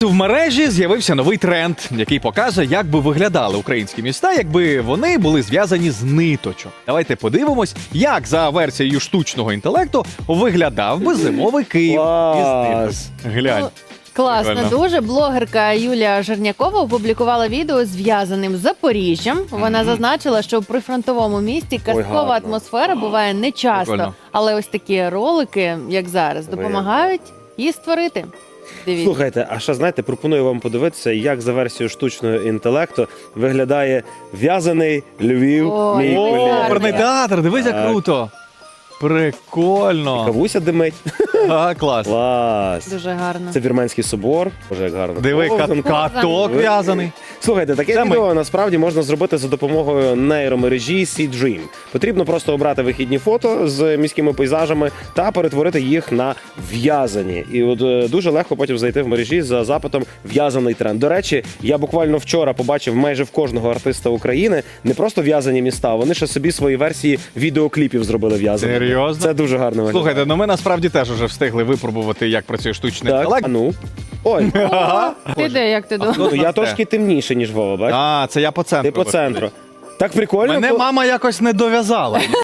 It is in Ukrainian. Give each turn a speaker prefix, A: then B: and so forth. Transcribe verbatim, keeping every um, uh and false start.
A: В мережі з'явився новий тренд, який показує, як би виглядали українські міста, якби вони були зв'язані з ниточок. Давайте подивимось, як за версією штучного інтелекту виглядав би зимовий Київ
B: Клас.
A: із ниток. Глянь.
C: Класно
A: Прикольно.
C: дуже. Блогерка Юлія Жернякова опублікувала відео зв'язаним з Запоріжжям. Вона зазначила, що в прифронтовому місті казкова
B: гарно.
C: атмосфера буває не часто,
A: Прикольно.
C: але ось такі ролики, як зараз, допомагають її створити. Дивіться.
B: Слухайте, а ще знаєте, пропоную вам подивитися, як за версією штучного інтелекту виглядає в'язаний Львів.
C: Ой,
B: мій
C: О,
A: О,
B: колега.
A: оперний театр, дивись, як
B: Так.
A: круто. Прикольно.
B: Кавуся димить.
A: А, клас.
B: Клас.
C: Дуже гарно.
B: Це Вірменський собор. Боже, як гарно.
A: Диви,
B: Ковзан.
A: кат- каток в'язаний.
B: Слухайте, таке
A: Це ми.
B: відео насправді можна зробити за допомогою нейромережі SeaDream. Потрібно просто обрати вихідні фото з міськими пейзажами та перетворити їх на в'язані. І от е, дуже легко потім зайти в мережі за запитом «в'язаний тренд». До речі, я буквально вчора побачив майже в кожного артиста України не просто в'язані міста, а вони ще собі свої версії відеокліпів зробили в'язані.
A: Серйозно?
B: Це дуже гарно виглядає.
A: Слухайте, ну ми насправді теж вже встигли випробувати, як працює штучний
B: Так,
A: інтелект.
B: а ну. Ой,
C: Ти де, як ти думаєш?
B: ну я трошки темніше, ніж Вова, бачиш?
A: А, це я по центру.
B: Ти по центру. Так прикольно.
A: Мене
B: бо-
A: мама якось не дов'язала.